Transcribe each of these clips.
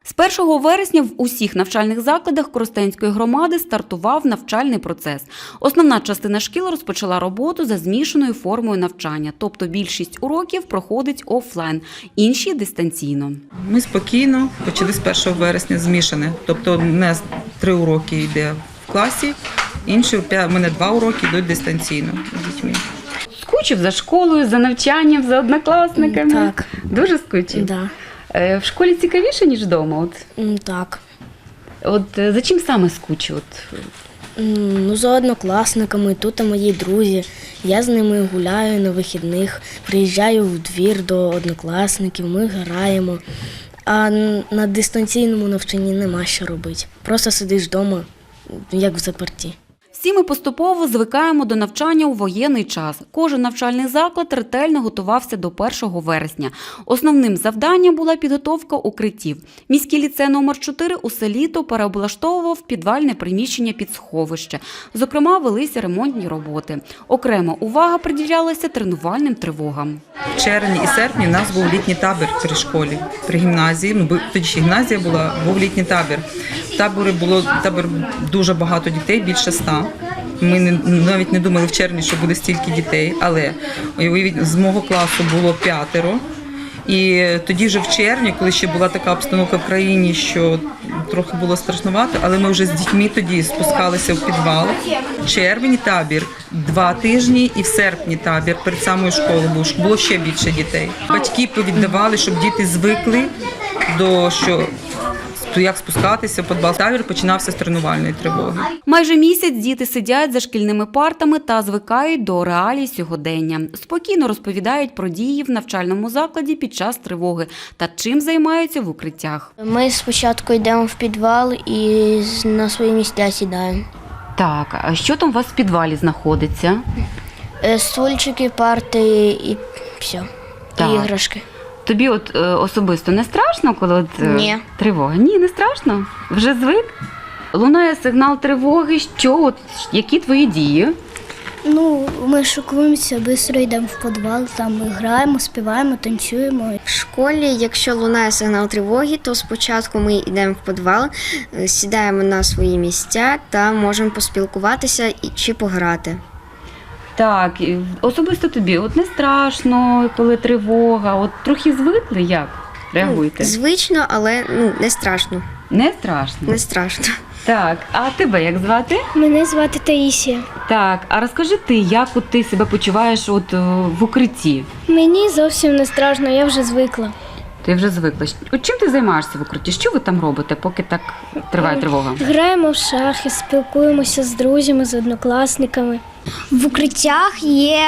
З 1 вересня в усіх навчальних закладах Коростенської громади стартував навчальний процес. Основна частина шкіл розпочала роботу за змішаною формою навчання, тобто більшість уроків проходить офлайн, інші – дистанційно. Ми спокійно почали з 1 вересня змішане, тобто у нас 3 уроки йде в класі, інші, у мене 2 уроки йдуть дистанційно з дітьми. Скучив за школою, за навчанням, за однокласниками? Так. Дуже скучив? Да. В школі цікавіше, ніж вдома? Так. От за чим саме скучив? Ну, за однокласниками, тут мої друзі. Я з ними гуляю на вихідних, приїжджаю в двір до однокласників, ми граємо. А на дистанційному навчанні нема що робити. Просто сидиш вдома, як в заперті. Всі ми поступово звикаємо до навчання у воєнний час. Кожен навчальний заклад ретельно готувався до 1 вересня. Основним завданням була підготовка укриттів. Міський ліцей номер 4 усе літо переоблаштовував підвальне приміщення під сховище. Зокрема, велися ремонтні роботи. Окрема увага приділялася тренувальним тривогам. В червні і серпні у нас був літній табір при школі, при гімназії. Бо тоді ще гімназія була, був літній табір. В таборі було дуже багато дітей, більше 100. Ми навіть не думали в червні, що буде стільки дітей, але з мого класу було 5. І тоді вже в червні, коли ще була така обстановка в країні, що трохи було страшнувато, але ми вже з дітьми тоді спускалися в підвал. В червні табір 2 тижні і в серпні табір перед самою школою було ще більше дітей. Батьки повіддавали, щоб діти звикли до як спускатися в підвал. Табір починався з тренувальної тривоги. Майже місяць діти сидять за шкільними партами та звикають до реалій сьогодення. Спокійно розповідають про дії в навчальному закладі під час тривоги та чим займаються в укриттях. Ми спочатку йдемо в підвал і на свої місця сідаємо. Так, а що там у вас в підвалі знаходиться? Стульчики, парти і все. Так. І іграшки. Тобі особисто не страшно, коли Ні. тривога? Ні, не страшно? Вже звик? Лунає сигнал тривоги. Що? Які твої дії? Ну, ми шокуємося, швидко йдемо в підвал, там ми граємо, співаємо, танцюємо. В школі, якщо лунає сигнал тривоги, то спочатку ми йдемо в підвал, сідаємо на свої місця та можемо поспілкуватися чи пограти. Так, особисто тобі не страшно, коли тривога, трохи звикли, як реагуєте? Звично, але не страшно. Не страшно? Не страшно. Так, а тебе як звати? Мене звати Таїсія. Так, а розкажи ти, як ти себе почуваєш в укритті? Мені зовсім не страшно, я вже звикла. Ти вже звикла. Чим ти займаєшся в укритті? Що ви там робите, поки так триває тривога? Граємо в шахи, спілкуємося з друзями, з однокласниками. В укриттях є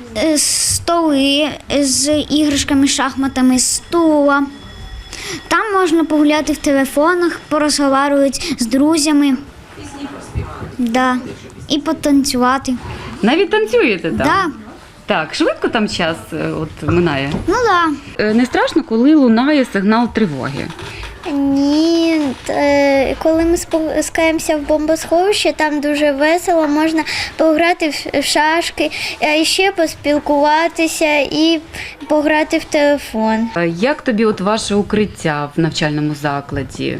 столи з іграшками, шахматами, стула. Там можна погуляти в телефонах, порозговорювати з друзями. Пісні поспівати. Да. І потанцювати. Навіть танцюєте там? Да. Так, швидко там час минає? Ну да. Не страшно, коли лунає сигнал тривоги? Ні, коли ми спускаємося в бомбосховище, там дуже весело, можна пограти в шашки, а ще поспілкуватися і пограти в телефон. Як тобі ваше укриття в навчальному закладі?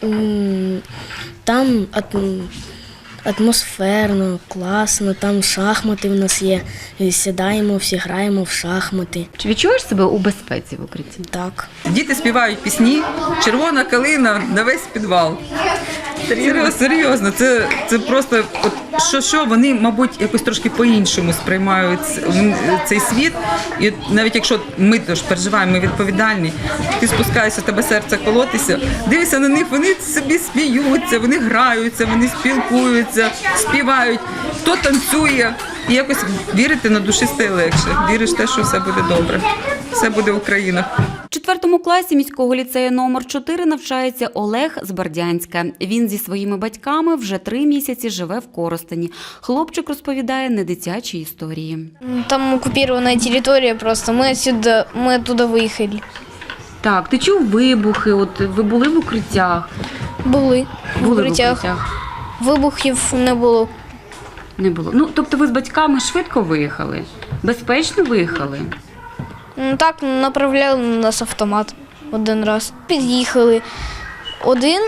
Там атмосферно, класно, там шахмати в нас є. Сідаємо, всі граємо в шахмати. Чи відчуваєш себе у безпеці в укритті? Так. Діти співають пісні «Червона калина» на весь підвал. Серйозно, це просто, що вони, мабуть, якось трошки по-іншому сприймають цей світ. І навіть якщо ми теж переживаємо, ми відповідальні, ти спускаєшся, тебе серце колотися, дивишся на них, вони собі сміються, вони граються, вони спілкуються, співають, хто танцює. І якось вірити на душі стає легше. Віриш в те, що все буде добре, все буде Україна. В 4 класі міського ліцею номер 4 навчається Олег з Бердянська. Він зі своїми батьками вже 3 місяці живе в Коростені. Хлопчик розповідає недитячі історії. Там оккупирована територія просто, ми оттуда виїхали. Так, ти чув вибухи, ви були в укриттях? Були в Були укриттях. Вибухів не було. Не було. Тобто ви з батьками швидко виїхали? Безпечно виїхали? Так, направляли на нас автомат один раз. Під'їхали, Один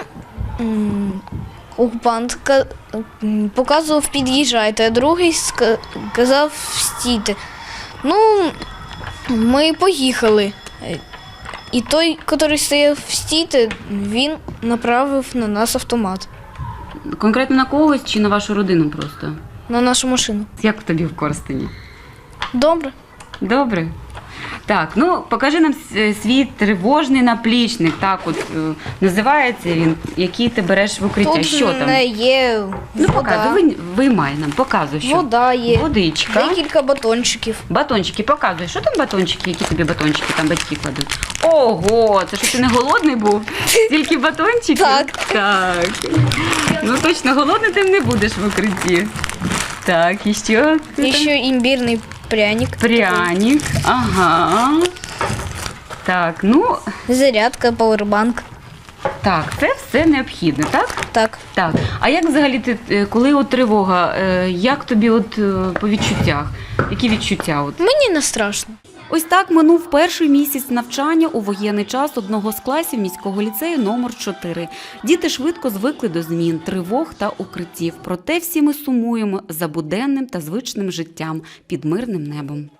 окупант показував під'їжджайте, а другий казав стійте. Ну, ми поїхали. І той, який стояв стійте, він направив на нас автомат, Конкретно на когось чи на вашу родину просто? на нашу машину. Як тобі в Корстені? Добре. Добре. Так, ну покажи нам свій тривожний наплічник. Так, от називається він, який ти береш в укриття. Тут Що там? є Ну вода, показуй, виймай нам, показуй, що. вода є, Водичка. декілька батончиків. Батончики, показуй. Що там батончики? Які тобі батончики там батьки кладуть? Ого, це що ти не голодний був? Тільки батончики? Так. Так. Ну точно голодний ти не будеш в укритті. Так, і що? І ще імбірний пряник. Пряник, ага. Так, ну, Зарядка, пауербанк. так, це все необхідно, так? Так. Так. А як взагалі ти, коли от тривога, як тобі от по відчуттях? Які відчуття? От? Мені не страшно. Ось так минув перший місяць навчання у воєнний час одного з класів міського ліцею номер 4. Діти швидко звикли до змін, тривог та укриттів. Проте всі ми сумуємо за буденним та звичним життям під мирним небом.